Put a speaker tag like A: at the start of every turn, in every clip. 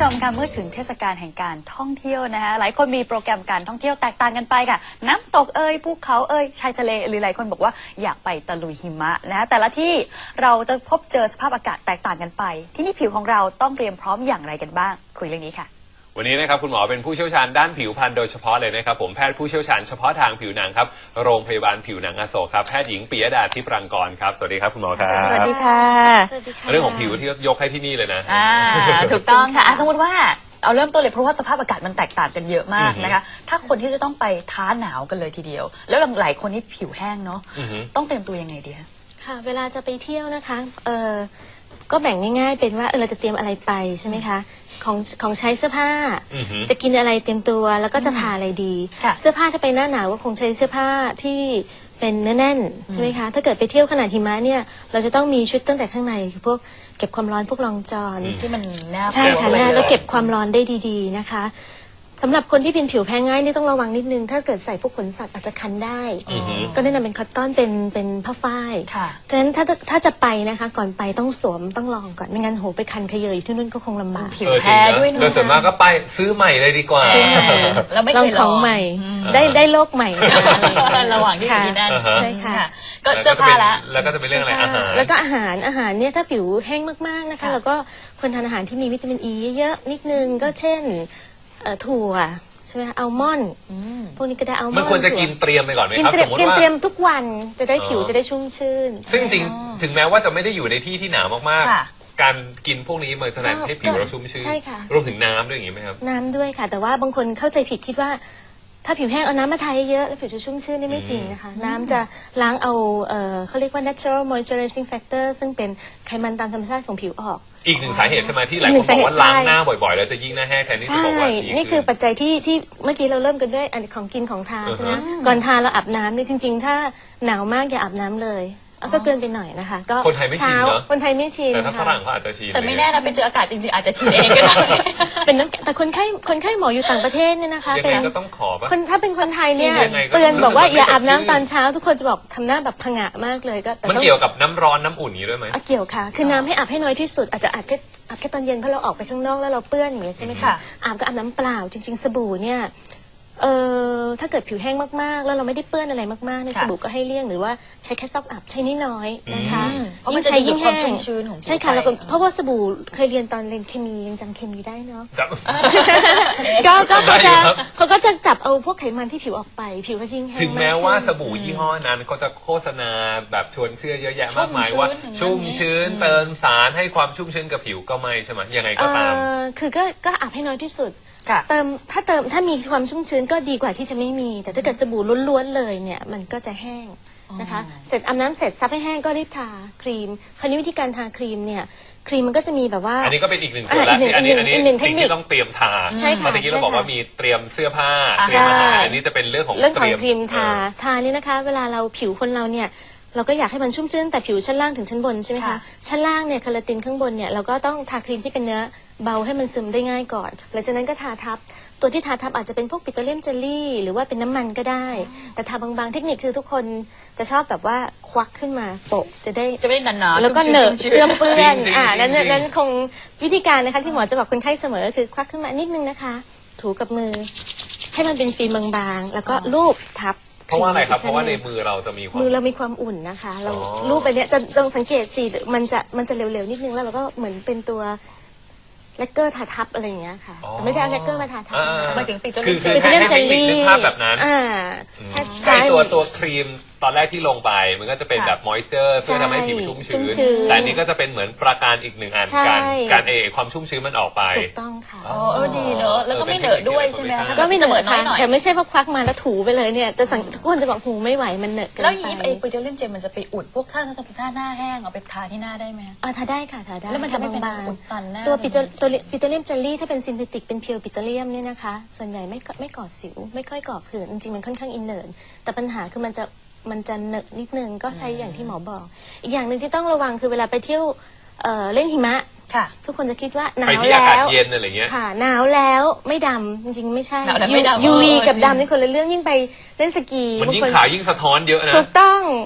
A: ชมค่ะเมื่อถึงเทศกาลแห่งการท่องเที่ยวนะคะหลายคนมีโปรแกรมการท่องเที่ยวแตกต่างกันไปค่ะน้ำตกภูเขาชายทะเลหรือหลายคนบอกว่าอยากไปตะลุยหิมะนะแต่ละที่เราจะพบเจอสภาพอากาศแตกต่างกันไปที่นี่ผิวของเราต้องเตรียมพร้อมอย่างไรกันบ้างคุยเรื่องนี้ค่ะ
B: วันนี้นะครับคุณหมอเป็นผู้เชี่ยวชาญด้านผิวพรรณโดยเฉพาะเลยนะครับผมแพทย์ผู้เชี่ยวชาญเฉพาะทางผิวหนังครับโรงพยาบาลผิวหนังอโศกครับแพทย์หญิงปิยดาทิพย์รังกรครับสวัสดีครับคุณหมอครับ
A: สวัสดีค่ะ
B: เรื่องของผิวที่ยกให้ที่นี่เลยนะ
A: ถูกต้องค่ะสมมติว่าเอาเริ่มต้นเลยเพราะว่าสภาพอากาศมันแตกต่างกันเยอะมากนะคะถ้าคนที่จะต้องไปท้าหนาวกันเลยทีเดียวแล้วหลายคนนี่ผิวแห้งเนาะต้องเตรียมตัวยังไงดีคะ
C: ค่ะเวลาจะไปเที่ยวนะคะก็แบ่งง่ายๆเป็นว่าเราจะเตรียมอะไรไปใช่ไหมคะของใช้เสื้อผ้าจะกินอะไรเตรียมตัวแล้วก็จะทาอะไรดีเสื้อผ้าถ้าไปหน้าหนาวก็คงใช้เสื้อผ้าที่เป็นเนื้อแน่นใช่ไหมคะถ้าเกิดไปเที่ยวขนาดหิมะเนี่ยเราจะต้องมีชุดตั้งแต่ข้างในคือพวกเก็บความร้อนพวกรองจอน
A: ที่มันแนบ
C: ใช่ค่ะแล้วเก็บความร้อนได้ดีๆนะคะสำหรับคนที่เป็นผิวแพ้ง่ายนี่ต้องระวังนิดนึงถ้าเกิดใส่พวกขนสัตว์อาจจะคันได้ก็แนะนำเป็นคอตตอนเป็นผ้าฝ้ายฉะนั้นถ้าจะไปนะคะก่อนไปต้องสวมต้องลองก่อนไม่งั้นโหไปคันขยเยอยู่ที่นู่นก็คงลำบาก
A: ผิวแพ้ด้วยเนอะ
B: โดยส่วนมากก็ไปซื้อใหม่เลยดีกว่า
A: แล้วไม่
C: ลอ
A: เคยลอง
C: ของใหม่ได้โลกใหม่
A: ระหว่างที่อยู่นั่น
C: ใช่ค่ะ
A: ก็เสื้อผ้า
B: แล้วก็จะเป็นเรื่องอะไรอาหาร
C: แล้วก็อาหารเนี่ยถ้าผิวแห้งมากๆนะคะแล้วก็ควรทานอาหารที่มีวิตามินอีเยอะๆนิดนึงก็เช่นถั่วใช่ไหมอัลมอนด์พวกนี้ก็ได้อัลมอนด์
B: มันควรจะกินเตรียมไปก่อนไหมครับสมมติ
C: ว่าเตรียมทุกวันจะได้ผิวจะได้ชุ่มชื่น
B: ซึ่งจริงถึงแม้ว่าจะไม่ได้อยู่ในที่หนาวมากๆการกินพวกนี้มันทำให้ผิวเราชุ่มชื่นรวมถึงน้ำด้วยอย่างนี้ไหมครับ
C: น้ำด้วยค่ะแต่ว่าบางคนเข้าใจผิดคิดว่าถ้าผิวแห้งเอาน้ำมาทาเยอะแล้วผิวจะชุ่มชื่นนี่ไม่จริงนะคะน้ำจะล้างเอาเขาเรียกว่า natural moisturizing factor ซึ่งเป็นไขมันตามธรรมชาติของผิวออก
B: อีกหนึ่งสาเหตุใช่ไหมที่หลายคนบอกว่าล้างหน้าบ่อยๆแล้วจะยิ่งหน้าแห้งแทนที่จะบอกว่า
C: นี่คือปัจจัยที่เมื่อกี้เราเริ่มกันด้วยอันของกินของทานใช่ไหมก่อนทานเราอาบน้ำนี่จริงๆถ้าหนาวมากอย่าอาบน้ำเลยก็เกินไปหน่อยนะคะก็
B: คนไทยไม่ชินเนาะ
C: คนไทยไม่ชิน
B: แต่ถ้าฝรั่งเขาอาจจะชิน
A: แต่ไม่แน่นะไปเจออากาศจริงๆอาจจะชินเองก็ได้
C: เป็นน้ำแต่คนไข้หมออยู่ต่างประเทศเนี่ยนะคะ
B: เป็นก็ต้องขอป่ะ
C: ถ้าเป็นคนไทยเนี่ยเตือนบอกว่าอย่าอาบน้ำตอนเช้าทุกคนจะบอกทำหน้าแบบผงะมากเลยก็
B: มันเกี่ยวกับน้ำร้อนน้ำอุ่นนี้ด้วยไหม
C: เกี่ยวค่ะคือน้ำให้อาบให้น้อยที่สุดอาจจะอาบแค่ตอนเย็นเพราะเราออกไปข้างนอกแล้วเราเปื้อนอย่างเงี้ยใช่ไหมคะอาบก็อาบน้ำเปล่าจริงๆสบู่เนี่ยถ้าเกิดผิวแห้งมากๆแล้วเราไม่ได้เปื้อนอะไรมากๆในสบู่ก็ให้เลี่ยงหรือว่าใช้แค่ซอกอับใช้น้อยๆนะคะ
A: เพราะมันใช้ยิ่งแห้ง
C: ใช่ค่ะแล้วเพราะว่าสบู่เคยเรียนตอนเรียนเคมียังจำเคมีได้เนาะก็เขาก็จะจับเอาพวกไขมันที่ผิวออกไปผิวก็ยิ่งแห้ง
B: ถึงแม้ว่าสบู่ยี่ห้อนั้นเขาจะโฆษณาแบบชวนเชื่อเยอะแยะมากมายว่าชุ่มชื้นเติมสารให้ความชุ่มชื้นกับผิวก็ไม่ใช่ไหมยังไงก็ตาม
C: คือก็อาบให้น้อยที่สุดถ้ามีความชุ่มชื้นก็ดีกว่าที่จะไม่มีแต่ถ้าเกิดสบู่ล้วนๆเลยเนี่ยมันก็จะแห้งนะคะเสร็จอาบน้ำเสร็จซับให้แห้งก็รีบทาครีมคราวนี้วิธีการทาครีมเนี่ยครีมมันก็จะมีแบบว่า
B: อันนี้ก็เป็นอีกหนึ่งส่วนละอันนี้สิ่งที่ต้องเตรียมทาเมื่อกี้เราบอกว่ามีเตรียมเสื้อผ้าเตรียมอาหารอันนี้จะเป็นเรื่องของ
C: ครีมทานี่นะคะเวลาเราผิวคนเราเนี่ยเราก็อยากให้มันชุ่มชื้นแต่ผิวชั้นล่างถึงชั้นบนใช่ไหมคะชั้นล่างเนี่ยคอลลาตินข้างบนเนี่ยเราก็ต้องทาครีมที่เป็นเนื้อเบาให้มันซึมได้ง่ายก่อนหลังจากนั้นก็ทาทับตัวที่ทาทับอาจจะเป็นพวกปิโตรเลียมเจลลี่หรือว่าเป็นน้ำมันก็ได้แต่ทาบางๆเทคนิคคือทุกคนจะชอบแบบว่าควักขึ้นมาโปะจะได้
A: นานๆ
C: แล้วก็เหนอะเสื้อเปื้อนนั้นคงวิธีการนะคะที่หมอจะบอกคนไข้เสมอคือควักขึ้นมานิดนึงนะคะถูกับมือให้มันเป็นฟิล์มบางๆแล้วก็ลูบทับ
B: เพราะว่าอะไรครับเพราะว่าในมือเราจะมี
C: ความอุ่นนะคะเรารูปไปเนี้ยจะลองสังเกตสิมันจะเร็วๆนิดนึงแล้วเราก็เหมือนเป็นตัวแลกเกอร์ทาทับอะไรอย่างเงี้ยค่ะแต่ไม่ได้เอาแลกเกอร์มาทาทับ
A: มาถึงปิโตร
B: เลียม
C: เจลลี่
B: ภาพแบบนั้นใช่ตัวครีมตอนแรกที่ลงไปมันก็จะเป็นแบบมอยส์เจอร์เพื่อทำให้ผิวชุ่มชื้นแต่นี้ก็จะเป็นเหมือนประการอีกหนึ่งอันการความชุ่มชื้นมันออกไป
C: ถูกต้องค่ะ
A: ดีเนอะแล้วก็ไม่เหนอะด้วยใช่ไหม
C: ก็ไม่เหนอะค่ะแต่ไม่ใช่พอควักมาแล้วถูไปเลยเนี่ยทุกคนจะบอกหูไม่ไหวมันเหนอะเกินไป
A: แล้วอย่างนี้ปิโตรเลียมเจลมันจะไปอุดพวกถ้าหน้าแห้งเอาไปทาที่หน้าได้ไหม
C: ทาได้ค่ะทาได้
A: แล้วมันจะไม่เป็นอุดตันหน้า
C: ตัวปิโตรเลียมเจลลี่ถ้าเป็นซินเทติกเป็นเพียวปิโตรเลียมเนี่ยนะคะส่วนใหญ่ไม่ก่อสิวไม่ค่อยก่อผื่นจริงๆมันค่อนข้างอินเนิร์ตแต่ปัญหาคือมันจะเหนอะนิดนึงก็ใช้อย่างที่หมอบอกอีกอย่างหนึ่งที่ต้องระวังคือเวลาไปเที่ยวเล่นหิมะทุกคนจะคิดว่าหนาวแล้ว
B: เย็นอะไรเงี้ย
C: ค่ะหนาวแล้วไม่ดำจริงๆไม่ใช่ UV กับดำนี่คนละเรื่องยิ่งไปเล่นสกี
B: มันยิ่งขาวยิ่งสะท้อนเยอะนะ
C: ถูกต้อง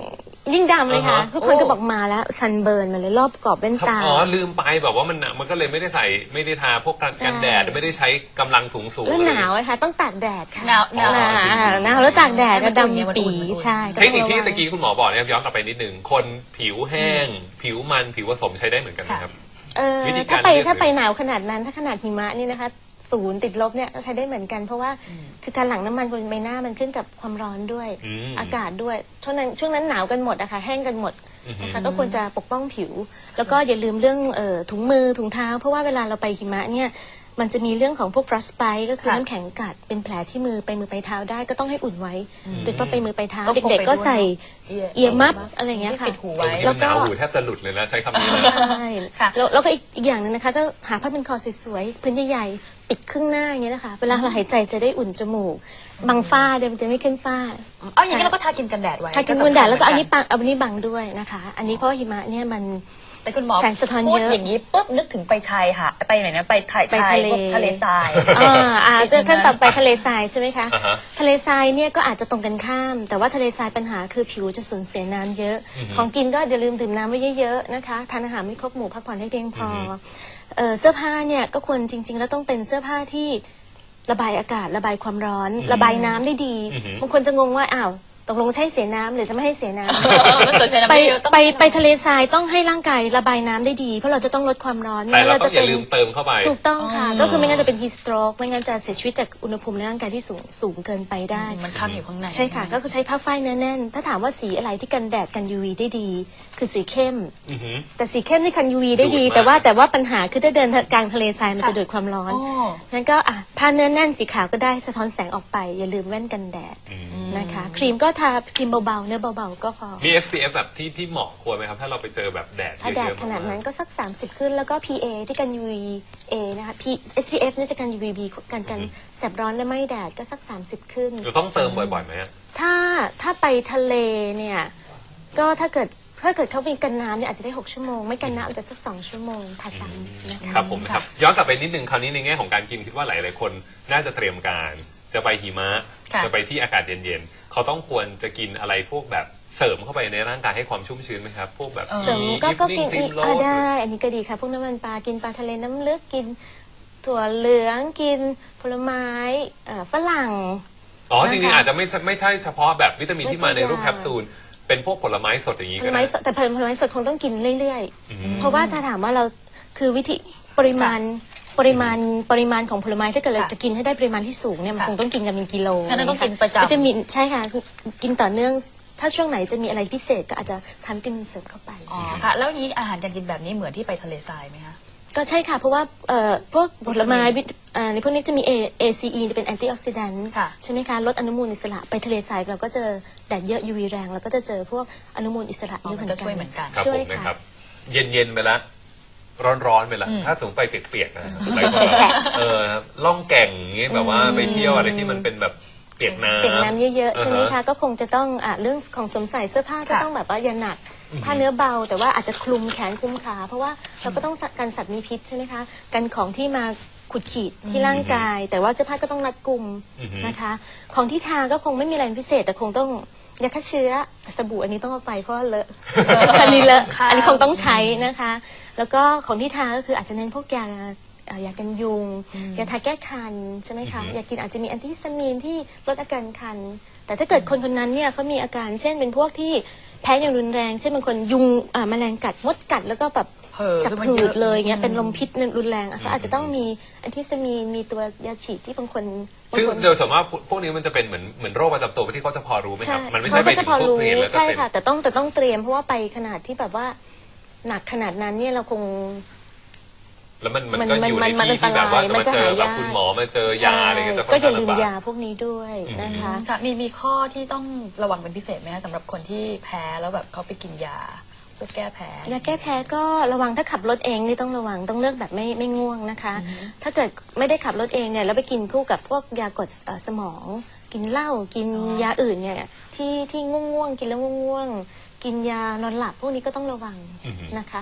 C: ยิ่งดำเลยค่ะ
B: อ่าฮะ
C: ทุกคนก็บอกมาแล้วซันเบิร์นมาเลยรอบกรอบแว่นตา
B: อ๋อลืมไปแบบว่ามันก็เลยไม่ได้ใส่ไม่ได้ทาพวกกันแดดไม่ได้ใช้กำลังสูง
C: แล้วหนาวนะคะต้องตากแดดค่ะ
A: หนาว
C: หนาวแล้วตากแดดก็ดำปีใช่
B: เทคนิคที่ตะกี้คุณหมอบอกเนี่ยย้อนกลับไปนิดนึงคนผิวแห้ง ผิวมันผิวผสมใช้ได้เหมือนกันไหมครับ วิธีการ
C: ถ้าไป
B: เลือก
C: ถ้าไปหนาวขนาดนั้นถ้าขนาดหิมะนี่นะคะ0 ติดลบเนี่ยก็ใช้ได้เหมือนกันเพราะว่าคือการหลั่งน้ำมันบนใบหน้ามันขึ้นกับความร้อนด้วยอากาศด้วยช่วงนั้นหนาวกันหมดอะค่ะแห้งกันหมดนะคะก็ควรจะปกป้องผิว แล้วก็อย่าลืมเรื่องถุงมือถุงเท้าเพราะว่าเวลาเราไปหิมะเนี่ยมันจะมีเรื่องของพวก frostbite ก็คือน้ำแข็งกัดเป็นแผลที่มือไปแเท้าได้ก็ต้องให้อุ่นไว้โดยเฉพาะไปมือไปเท้า
A: ต้องพกไป
C: เด็กๆก็ใส่
A: ด้วย
C: เอียร์มัฟอะไรอย่างเงี้ยค่ะ
A: ปิดหูไว้
B: แล้วก็หนาวหูแทบจะหลุดเลยนะใช้คำนี้เลย
C: ใช่
A: ค่ะ
C: แล้วก็อีกอย่างหนึงนะคะก็หาผ้าเป็นคอสวยๆพื้นใหญ่ๆปิดครึ่งหน้าอย่างเงี้ยนะคะเวลาเราหายใจจะได้อุ่นจมูกบังฝ้าเดี๋ยวมันจะไม่ขึ้นฝ้า
A: เอาอย่างนี้เราก็ทาครีมกันแดดไว้
C: ทาครีมกันแดดแล้วก็อันนี้บังด้วยนะคะ อันนี้เพราะว่าหิมะเนี่ยมัน
A: แต่คุณหมอ
C: แสงสะท้อน
A: พูด
C: เยอะ
A: อย่างนี้ปุ๊บนึกถึงไปชายค่ะไปไหนนะไปถ่าย
C: ไป
A: ชาย
C: ทะเล
A: พวกทะเลทราย
C: ขั้นต่อไปทะเลทรายใช่ไหมคะ
B: อ่าฮะ
C: ทะเลทรายเนี่ยก็อาจจะตรงกันข้าม แต่ว่าทะเลทรายปัญหาคือผิวจะสูญเสียน้ำเยอะ ของกินก็อย่าลืมดื่มน้ำไว้เยอะๆนะคะทานอาหารไม่ครบหมู่พักผ่อนให้เพียงพอเสื้อผ้าเนี่ยก็ควรจริงๆแล้วต้องเป็นเสื้อผ้าที่ระบายอากาศระบายความร้อน ระบายน้ำได้ดีบางคนจะงงว่าอ้าวตกลงใช่เสียน้ำหรือจะไม่ให้เสียน้ำ
A: มันสวยใสน้ำ
C: ไป
A: เยอะต้อง
C: ไปทะเลทรายต้องให้ร่างกายระบายน้ำได้ดีเพราะเราจะต้องลดความร้อน
B: แต่เรา
C: ไม่งั้น
B: ต้องอย่าลืมเติมเข้าไป
C: ถูกต้องค่ะ ก็คือไม่งั้นจะเป็น heat stroke ไม่งั้นจะเสียชีวิตจากอุณหภูมิในร่างกายที่สูงเกินไปได้
A: มันค้างอยู่ข้างใน
C: ใช่ค่ะ ก็คือใช้ผ้าฝ้ายเนื้อแน่น ถ้าถามว่าสีอะไรที่กันแดดกัน UV ได้ดี คือสีเข้ม
B: อือหือ
C: แต่สีเข้มที่กัน UV ได้ดี
B: ดูดมาก
C: แต่ว่าปัญหาคือถ้าเดินกลางทะเลทรายมันจะดูดความร้อน
A: อ๋อ
C: งั้นก็ผ้าเนื้อแน่นสีขาวก็ได้สะท้อนแสงออกไป อย่าลืมแว่นกันแดดนะคะครีมก็ทาครีมเบาๆเนื้อเบาๆก็พอ
B: มี SPF แบบที่เหมาะควรไหมครับ ถ้าเราไปเจอแบบแดดเย
C: ถ้าแดด
B: อะๆ
C: ขนาดนั้น
B: มาก
C: ก็สัก 30 ขึ้นแล้วก็ PA ที่กัน UVA นะคะ SPF เนี่ยจะกัน UVB กันแสบร้อนและไม่แดดก็สัก 30 ขึ้น
B: ๆเราต้องเติมบ่อยๆไหมอะ
C: ถ้าไปทะเลเนี่ยก็ถ้าเกิดเขามีกันน้ำเนี่ยอาจจะได้6 ชั่วโมงไม่กันน้ำอาจจะสัก2 ชั่วโมงทาซ้ำนะคะ
B: ครับผมนะครับย้อนกลับไปนิดนึงคราวนี้ในแง่ของการกินคิดว่าหลายๆคนน่าจะเตรียมการจะไปหิมะ
A: ค่ะ
B: จะไปที่อากาศเย็นๆเขาต้องควรจะกินอะไรพวกแบบเสริมเข้าไปในร่างกายให้ความชุ่มชื้นไหมครับพวกแบบ
C: เสริมก็กิน
B: ครีมโรส
C: ได้ อันนี้ก็ดีค่ะพวกน้ำมันปลากินปลาทะเลน้ำลึกกินถั่วเหลืองกินผลไม้ฝรั่ง
B: อ๋อจริงๆ
C: นะคะ
B: อาจจะไม่ใช่เฉพาะแบบวิตามินที่มาในรูป
C: ไม่
B: แค
C: ทุกอย่าง
B: ปซูลเป็นพวกผลไม้สดอย่างนี้
C: ผ
B: ก็
C: ลไม้
B: ได้
C: สดแต่ผลไม้สดคงต้องกินเรื่อยๆ เพราะว่าถ้าถามว่าเราคือวิธีปริมาณของผลไม้ถ้าเกิดเราจะกินให้ได้ปริมาณที่สูงเนี่ยมันคงต้องกินกันเป็นกิโล
A: งั้นต้องกินประจำ
C: วิตามินใช่ค่ะคือกินต่อเนื่องถ้าช่วงไหนจะมีอะไรพิเศษก็อาจจะทานวิตามินเสริมเข้าไป
A: อ๋อค่ะ แล้วนี้อาหารการกินแบบนี้เหมือนที่ไปทะเลทรายไหมคะ
C: ก็ใช่ค่ะ เพราะว่าพวกผลไม้ในพวกนี้จะมี ACE จะเป็นแอนตี้ออกซิแดนต์
A: ค่ะ
C: ใช่ไหมคะลดอนุมูลอิสระไปทะเลทรายเราก็เจอแดดเยอะ UV แรงเราก็จะเจอพวกอนุมูลอิสระเยอะเหมือน
A: มันก็
C: กั
A: ช่วยเหมือนกัน
B: ครับ
C: ช่ว
B: ผ
C: ย
B: มนะค
C: ค่ะ
B: รับ เย็นๆไปละร้อนๆไปละถ้าสมมติไปเปียกๆนะไปก่อน
C: แฉะ
B: ครับล่องแก่งอย่างงี้แบบว่าไปเที่ยวอะไรที่มันเป็นแบบเปียกน้ำ
C: เปียกน้ำเยอะๆใช่ไหม
B: า
C: คะ
B: ฮ
C: ก็คงจะต้องเรื่องของสวมใส่เสื้อผ้าก็
A: ค่ะ
C: ต้องแบบว่าอย่าหนักผ้าเนื้อเบา แต่ว่าอาจจะคลุมแขนคลุมขาเพราะว่าเราก็ต้องกันสัตว์มีพิษใช่ไหมคะกันของที่มาขุดขีดที่ร่างกาย แต่ว่าเสื้อผ้าก็ต้องรัดกุมนะคะ ของที่ทาก็คงไม่มีอะไรพิเศษ แต่คงต้องยาฆ่าเชื้อสบู่อันนี้ต้องเอาไปเพราะว่าเลอะ อันนี้เลอะ
A: ค่ะ
C: อันนี้คงต้องใช้นะคะ แล้วก็ของที่ทาก็คืออาจจะเน้นพวกยากันยุงยาทาแก้คันใช่ไหมคะยากินอาจจะมีแอนติฮิสตามีนที่ลดอาการคัน แต่ถ้าเกิดคนนั้นเนี่ยเขามีอาการเช่นเป็นพวกที่แพ้อย่างรุนแรงเช่นบางคนยุงแมลงกัดมดกัดแล้วก็แบบ
A: เผลอ
C: จับ
A: ขึ้นมา
C: หื
A: เย
C: ด
A: อะ
C: เลยเงี้ยเป็นลมพิษรุนแรงเขาอาจจะต้องมีแอนติฮิสตามีนมีตัวยาฉีดที่บางคน
B: ซึ่งโดยส่วนมากพวกนี้มันจะเป็นเหมือนโรคประจำตัวที่เขาจะพอรู้ไหมครับ มันไม่ใช่
C: เขา
B: ไป
C: ก็
B: ถึ
C: จะ
B: ง
C: พอ
B: พวก
C: รู้
B: เพลแล้วจะ
C: ใช่
B: เป็น
C: ค่ะ แต่ต้องเตรียมเพราะว่าไปขนาดที่แบบว่าหนักขนาดนั้นเนี่ยเราคง
B: แล้วมันก็อยู่ในที่ที่แบบว่าจะมาเจอแบบคุณหมอมาเจอยาอะไรเงี้ยจะค่อน
C: ก็อย่า
B: ข้าง
C: ลืม
B: ลำบาก
C: ยาพวกนี้ด้วยนะคะ
A: ค่ะมีข้อที่ต้องระวังเป็นพิเศษไหมคะสำหรับคนที่แพ้แล้วแบบเขาไปกินยาเพื่อแก้แพ้
C: ยาแก้แพ้ก็ระวังถ้าขับรถเองนี่ต้องระวังต้องเลือกแบบไม่ง่วงนะคะ ถ้าเกิดไม่ได้ขับรถเองเนี่ยแล้วไปกินคู่กับพวกยากดสมอง กินเหล้ากินยาอื่นเนี่ยที่ง่วงกินแล้วง่วงกินยานอนหลับพวกนี้ก็ต้องระวังนะคะ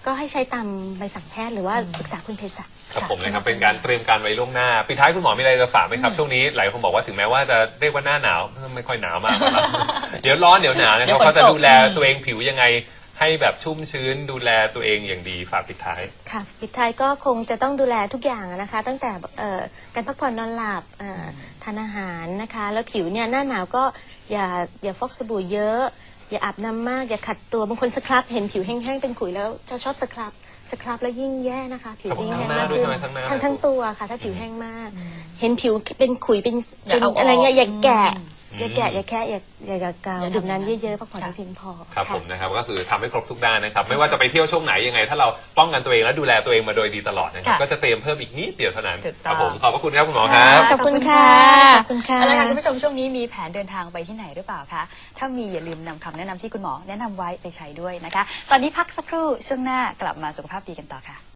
C: ก็ให้ใช้ตามใบสั่งแพทย์หรือว่าปรึกษาคุณเภสัช
B: ครับผมนะครับเป็นการเตรียมการไว้ล่วงหน้าปิดท้ายคุณหมอมีอะไรจะฝากไหมครับช่วงนี้หลายคนบอกว่าถึงแม้ว่าจะเรียกว่าหน้าหนาวไม่ค่อยหนาวมากครับ เดี๋ยวร้อนเดี๋ยวหนาวนะครับเขาจะดูแลตัวเองผิวยังไงให้แบบชุ่มชื้นดูแลตัวเองอย่างดีฝากปิดท้าย
C: ค่ะปิดท้ายก็คงจะต้องดูแลทุกอย่างนะคะตั้งแต่การพักผ่อนนอนหลับทานอาหารนะคะแล้วผิวเนี่ยหน้าหนาวก็อย่าฟอกสบู่เยอะอย่าอาบน้ำมากอย่าขัดตัวบางคนสครับเห็นผิวแห้งๆเป็นขุยแล้วจะชอบสครับแล้วยิ่งแย่นะคะผิวจะยิ่งแห้งมากขึ้นทั้งตัวค่ะถ้าผิวแห้งมากเห็นผิวเป็นขุยเป็นอะไรเงี้ยอย่าแกะอย่าแค่อย่าเกาดื่มน้ำเยอะๆพักผ่อนให้เพียงพอ
B: ครับผมนะครับก็คือทำให้ครบทุกด้านนะครับไม่ว่าจะไปเที่ยวช่วงไหนยังไงถ้าเราป้องกันตัวเองและดูแลตัวเองมาโดยดีตลอดนะครับก็จะเตรียมเพิ่มอีกนิดเดียวเท่านั้นครับผมขอบพระคุณครับคุณหมอครับ
C: ขอบคุณค่ะขอบคุณค่ะ
A: เอาละค่ะคุณผู้ชมช่วงนี้มีแผนเดินทางไปที่ไหนหรือเปล่าคะถ้ามีอย่าลืมนำคำแนะนำที่คุณหมอแนะนำไว้ไปใช้ด้วยนะคะตอนนี้พักสักครู่ช่วงหน้ากลับมาสุขภาพดีกันต่อค่ะ